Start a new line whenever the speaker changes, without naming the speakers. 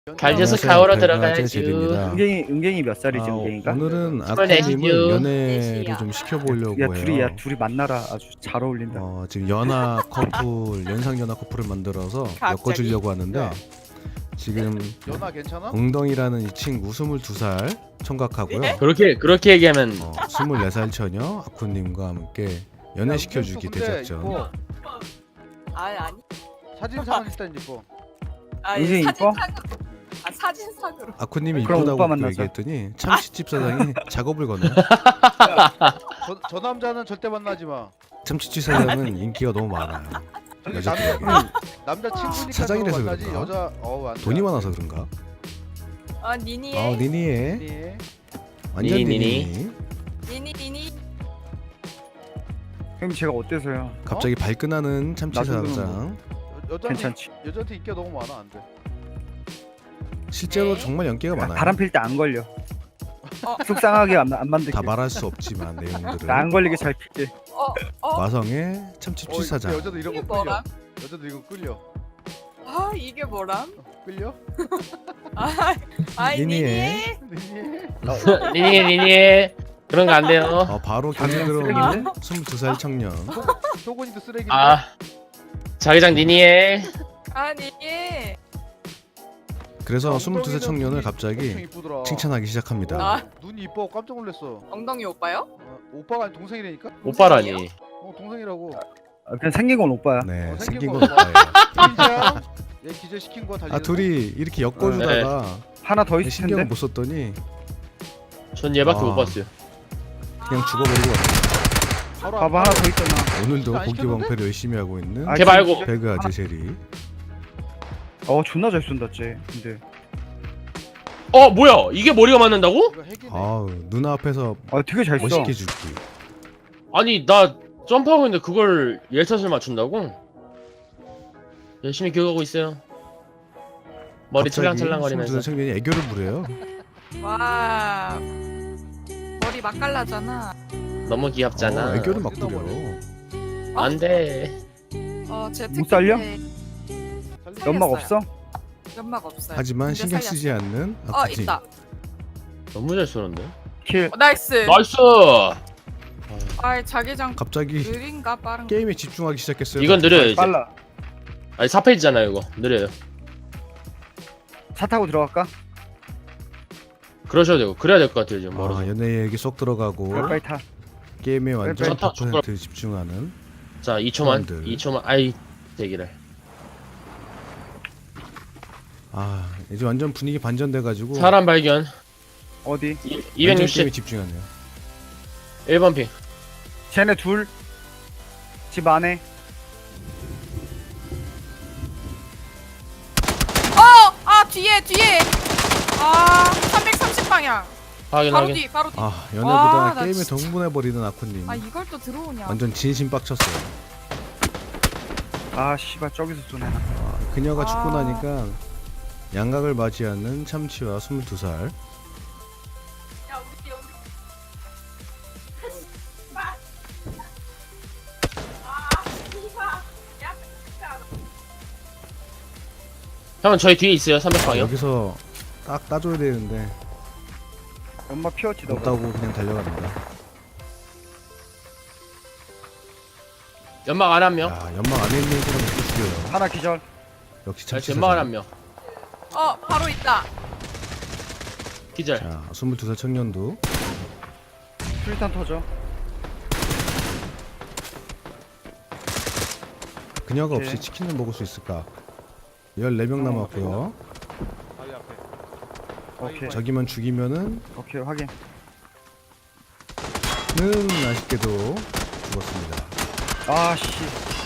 갈려서
안녕하세요.
가오로
배그아재
들어가야지.
제리입니다.
은갱이 몇 살이지 은갱이가?
오늘은
스물넷이요.
아쿠님을 연애를 좀 시켜보려고 해요.
둘이 만나라 아주 잘 어울린다.
지금 연하 커플, 연상 연하 커플을 만들어서 엮어주려고 하는데 지금
연아 괜찮아?
엉덩이라는 이 친구 22살 청각하고요.
그렇게 얘기하면
24살 처녀 아쿠님과 함께 연애시켜주기 대작전.
아니
사진상은 일단 이뻐.
은근히 이뻐?
사진상으로
아쿠님이
그럼
이쁘다고
오빠
또
만나자.
얘기했더니 참치집 사장이 작업을 거네요.
저 남자는 절대 만나지 마.
참치집 사장은 인기가 너무 많아요. 여자들에게.
남자 친구니까
사장이라서
서로 만나지.
그런가?
여자 안 돼.
돈이 많아서 그런가?
니니에
니니에
네.
완전
니니.
니니.
니니
형님 제가 어때서요?
갑자기 발끈하는 참치
나중에는
사장.
괜찮지?
여자한테 인기가 너무 많아 안 돼.
실제로
네.
정말 연기가 많아요.
바람 필 때 안 걸려. 속상하게 안 만들게.
다 말할 수 없지만 내용들을.
나 안 걸리게 잘 필게.
마성의 참치집
근데
사장.
여자도 이런
이게
거 끌려.
뭐람?
여자도 이거 끌려.
이게 뭐람?
끌려?
니니에.
니니 그런 거 안 돼요.
바로 경기
장면
들어오는 22살 청년.
효곤이도 쓰레기.
아 자기장 니니에
니니에
그래서 22살 청년을 갑자기 칭찬하기 시작합니다.
눈이 이뻐 깜짝 놀랐어.
엉덩이 오빠요?
오빠가 아니 동생이라니까?
오빠라니.
동생이라고.
그냥 생긴 건 오빠야.
네,
생긴
생긴
거
건 오빠예요.
인정. 얘 기절 시킨 거 달리.
둘이 이렇게 엮어주다가
하나 더 있을
신경을
텐데.
못 썼더니
전 얘밖에
아.
못 봤어요.
그냥 죽어버리고 왔어요.
바로
봐봐 하나 더 있잖아.
오늘도
안
고기
시켰는데?
방패를 열심히 하고 있는
아,
걔 말고.
배그아재 제리.
존나 잘 쏜다 쟤. 근데
뭐야 이게 머리가 맞는다고?
이거 핵이네.
누나 앞에서
되게 잘 써.
멋있게 죽기.
아니 나 점프하고 있는데 그걸 예샷을 맞춘다고? 열심히 교육하고 있어요. 머리
갑자기
찰랑찰랑거리면서.
22살 청년이 애교를 부려요.
와 머리 맛깔나잖아.
너무 귀엽잖아.
애교를 막 부려.
안돼.
제
못 살려?
살렸어요.
연막 없어?
연막 없어요.
하지만
근데
신경 쓰지
살렸어요.
않는 아쿠님.
있다.
너무 잘 쏘는데.
킬.
나이스.
나이스.
자기장
갑자기
느린가 빠른가?
게임에 집중하기 시작했어요.
이건 느려요 이제.
빨라.
아니 4페이지잖아요 이거. 느려요.
차 타고 들어갈까?
그러셔도 되고 그래야 될 것 같아요 지금 멀어서.
연애 얘기 쏙 들어가고
빨리 타.
게임에 완전
타,
100% 집중하는.
자 2초만.
사람들.
2초만. 아이 대기를.
이제 완전 분위기 반전돼가지고
사람 발견.
어디?
완전
260.
게임에 집중하네요.
1번 핑.
쟤네 둘. 집 안에.
뒤에 330 방향.
확인
바로
확인.
뒤 바로 뒤.
연애보다
나
게임에
진짜-
동분해버리는 아쿠님.
이걸 또 들어오냐?
완전 진심 빡쳤어요.
씨발 저기서 쏘네.
그녀가 죽고
아.
나니까 양각을 맞이하는 참치와 22살.
형은 저희 뒤에 있어요 300방이요.
여기서 딱 따줘야 되는데
연막 피웠지 너.
못 따고 그냥 달려갑니다.
연막 안 한 명.
연막 안에 있는 사람 또 죽여요.
하나 기절.
역시
자,
참치
연막 안
사장.
한 명.
바로 있다.
기절.
자, 22살 청년도
술탄 터져.
그녀가
오케이.
없이 치킨을 먹을 수 있을까? 14명 남았고요.
바위 앞에.
오케이.
저기만 죽이면은
오케이 확인.
아쉽게도 죽었습니다.
씨.